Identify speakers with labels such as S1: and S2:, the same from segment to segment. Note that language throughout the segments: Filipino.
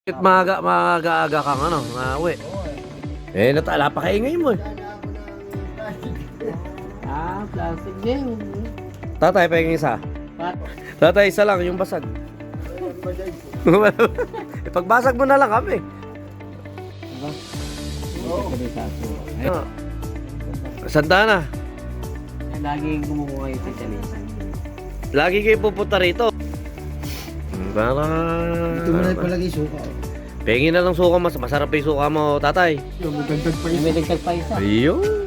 S1: Maaga kang ano, uwi. Eh, natala pa kaingay mo eh.
S2: Plastic din.
S1: Tatay, pahingin isa. Tatay, isa lang, yung basag. Pagbasag mo na lang kami. Ah. Sanda na.
S2: Laging kumukuha yung specialist.
S1: Lagi kayo pupunta rito. Para...
S3: Ito mo na palagi suka.
S1: Pengin na lang suka, masarap yung suka mo, tatay.
S3: Yung magdagdag pa
S2: May dagdag pa isa.
S1: Ayun.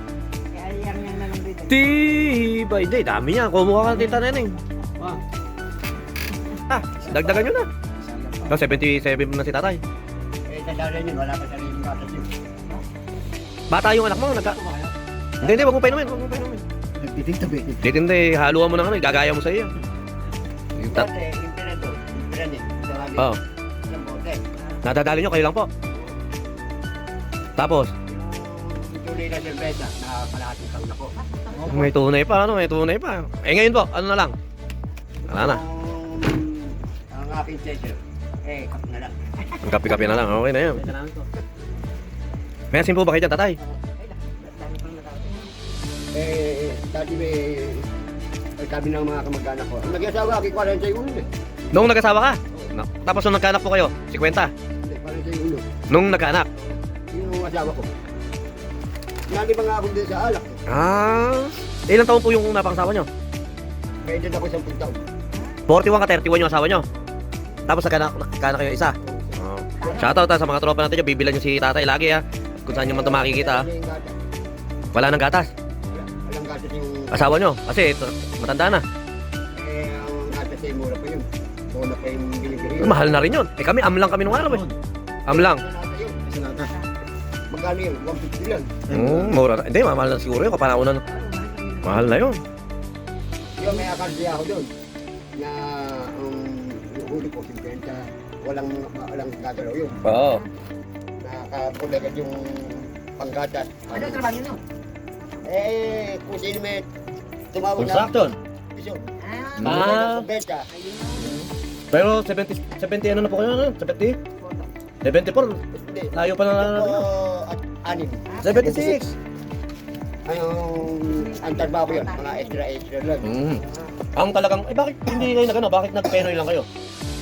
S1: Tiba, hindi, dami niya. Kumuha ka ng tita neneng.
S2: Wow.
S1: Dagdagan nyo na. No, 77 na si tatay.
S3: Eh, tandaan yun, wala pa sariling gatas yun.
S1: Bata yung anak mo, Hindi, wag mo painumin, wag mo painumin.
S3: Nagtitig tabi.
S1: Hindi, haluan mo na kami, gagaya mo sa iyo.
S3: Yung emperador,
S1: Oo.
S3: Yung bote.
S1: Nadadali nyo, kayo lang po. Tapos,
S3: Yung tuloy na cerveza, nakakalahating taon ako.
S1: may tunay pa, ano, may tunay pa. Eh ngayon po, ano na lang? Wala na.
S3: Ang aking treasure, kap na lang.
S1: Ang kape-kape na lang, okay na yan.
S2: Salamat po.
S1: May asin po ba kayo dyan, tatay?
S3: Dati sabi ng mga kamag-anak ko, ang nag-asawa, aking 41 eh.
S1: Nung nag-asawa ka? No. Tapos nung nagkaanak po kayo, 50.
S3: Hindi, 41.
S1: Nung nagkaanak.
S3: Yung asawa ko. Nali pa nga ako din sa alak.
S1: Ilang taon po yung napangasawa nyo?
S3: Kaya dyan ako 10 taon.
S1: 41 ka 31 yung asawa nyo. Tapos nagkaanak kayo isa. Shoutout sa mga tropa natin nyo, bibilan nyo si tatay lagi ha. Kung saan nyo man ito makikita ha. Wala nang gatas.
S3: Walang gatas yung...
S1: Asawa nyo, kasi matanda na.
S3: ang gatas ay mura pa yun. Muna pa yung binibili.
S1: Mahal na rin yun. Eh kami, amlang kami nung araw eh. Amlang.
S3: Magkano yun? 150 lang.
S1: Mura na. Hindi, mahal na siguro yun. Kapanaunan. Mahal na yun.
S3: Yung may akal ako doon na yung huli ko 50, walang gagalaw yun.
S1: Oo.
S3: Nakapulagan yung panggatas.
S4: Ano trabaho nyo?
S3: Kung sino may tumawag na
S1: Construction.
S3: piso.
S1: Ah.
S3: Benta.
S1: Pero 70 ano na po kayo? Ano? 70? 74.
S3: Hindi.
S1: Layo pa na
S3: Ito, anim.
S1: 76.
S3: Ang trabaho yun, mga extra lang.
S1: Ang talagang, bakit hindi kayo nagano? Bakit nag-penoy lang kayo?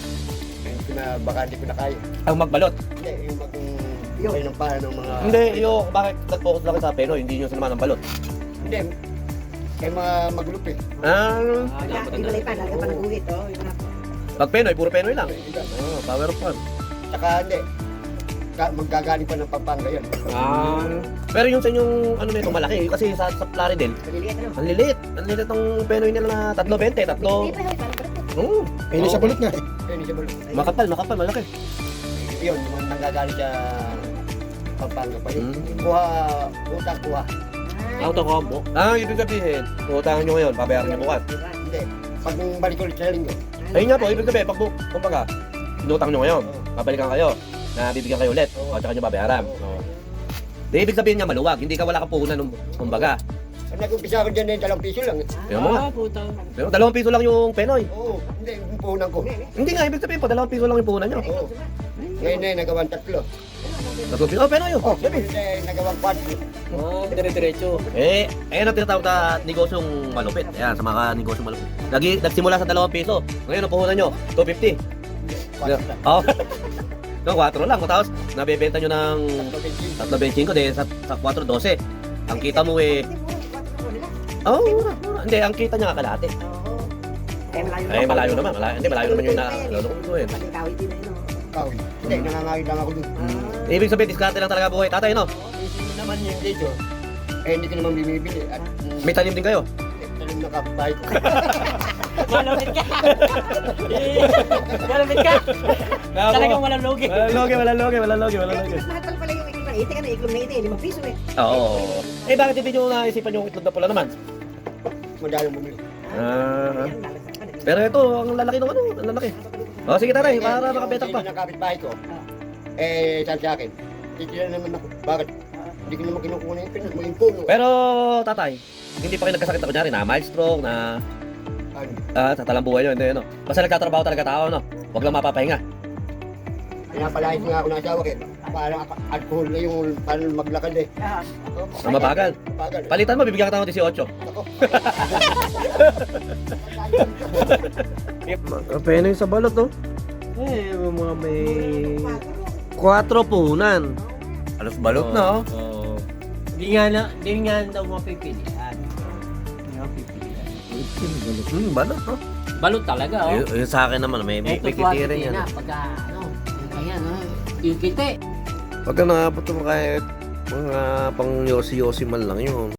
S3: Baka hindi ko na kaya.
S1: Ang magbalot.
S3: Hindi, yung ng para ng mga...
S1: Hindi, bakit nag-focus lang kayo sa penoy? Hindi nyo sinaman ng balot.
S3: Hindi, kaya mga maglup eh.
S4: Ibalay pa, lagi pa nag-uwit.
S1: Pag penoy, puro penoy lang. Power of fun.
S3: Saka hindi, maggagaling pa ng Pampanga yun.
S1: Pero yung sa inyong ano nito malaki kasi sa Plaridel,
S4: Maliliit ano?
S1: ang lilit. Ang lilit ng penoy nila na 3.20, tatlo.
S4: Hindi pa, parang parang.
S1: Oo.
S3: Hindi sa balot nga eh. Hindi sa balot.
S1: Makapal, malaki.
S3: Yun, yung nanggagaling sa Pampanga pa yun.
S1: Mm.
S3: Kuha.
S1: Auto combo. Ibig sabihin, utangan nyo ngayon, babayaran nyo bukas.
S3: Hindi, pag balik ko ulit sa linggo.
S1: Ayun nga po, ibig sabihin, kumbaga, inutang nyo ngayon, babalikan kayo, na bibigyan kayo ulit, o tsaka nyo babayaran. Di ibig sabihin niya maluwag, hindi ka wala kang puhunan ng kumbaga.
S3: Ang nag-umpisa ko dyan na 2 piso lang.
S1: Tingnan mo nga.
S2: Puta.
S1: Pero 2 piso lang yung penoy.
S3: Oo, hindi, yung puhunan ko.
S1: Hindi nga, ibig sabihin po, 2 piso lang yung puhunan nyo.
S3: Oo. Ngayon na nagawang 3.
S1: 3 piso, penoy yun.
S3: Hindi, nagawang 4.
S2: Dire-diretso.
S1: Ayun ang tinatawag na negosyong malupit. Ayan, sa mga negosyong malupit. Nagsimula sa 2 piso. Ngayon, ang puhunan nyo, 250. Oo. No, 4 lang. Tapos, nabebenta nyo ng 3.25 din sa 4, 12. Ang kita mo eh, mura. Hindi, ang kita niya kalahati. Malayo naman. Malayo naman yung nalulunod ko eh.
S4: Paging kawit din ano.
S3: Kawi. Hindi, nangangawit lang ako dun.
S1: Ibig sabihin, diskarte lang talaga buhay. Tatay, no?
S3: Hindi naman yung dito. Hindi ko naman bumibili. At
S1: May tanim din kayo.
S3: talim na kapitbahay ko.
S2: Malapit ka. Malapit ka. Talagang walang logi.
S1: Walang logi.
S4: Mas mahal pala yung iklog na ite ka na iklog na ite, 5 piso eh.
S1: Oo. Bakit hindi nyo naisipan yung itlog na pula naman?
S3: Madalang bumili.
S1: Pero ito, ang lalaki ng ano, ang lalaki. Sige tatay, para makabetak pa.
S3: Yung kapitbahay ko, sabi sa akin, titira naman ako. Bakit? Hindi ko naman kinukuha na yung pinas, maging puno.
S1: Pero tatay, hindi pa kayo nagkasakit na kunyari na mild stroke, na
S3: Ano?
S1: sa talambuhay nyo, hindi ano. Basta nagtatrabaho talaga tao, no? Huwag lang mapapahinga.
S3: Pinapalayas nga ako ng asawa ko. Parang alcohol na yung parang maglakad eh.
S1: Ang mabagal.
S3: Mabagal.
S1: Palitan mo, bibigyan ka ng 18.
S3: Ako.
S1: Pwede yung sa balot, oh.
S2: Eh, mga may...
S1: 4 punan. Alos balot na, oh.
S2: Oo. Hindi nga daw mapipilian. Hindi mapipilian.
S1: Balot, oh.
S2: Balot talaga, oh.
S1: Yung sa akin naman, may pikitirin yan.
S2: na, pagka, ayan, yung kite.
S1: Pagka nakapot mo kahit mga pang yosi-yosi man lang yun.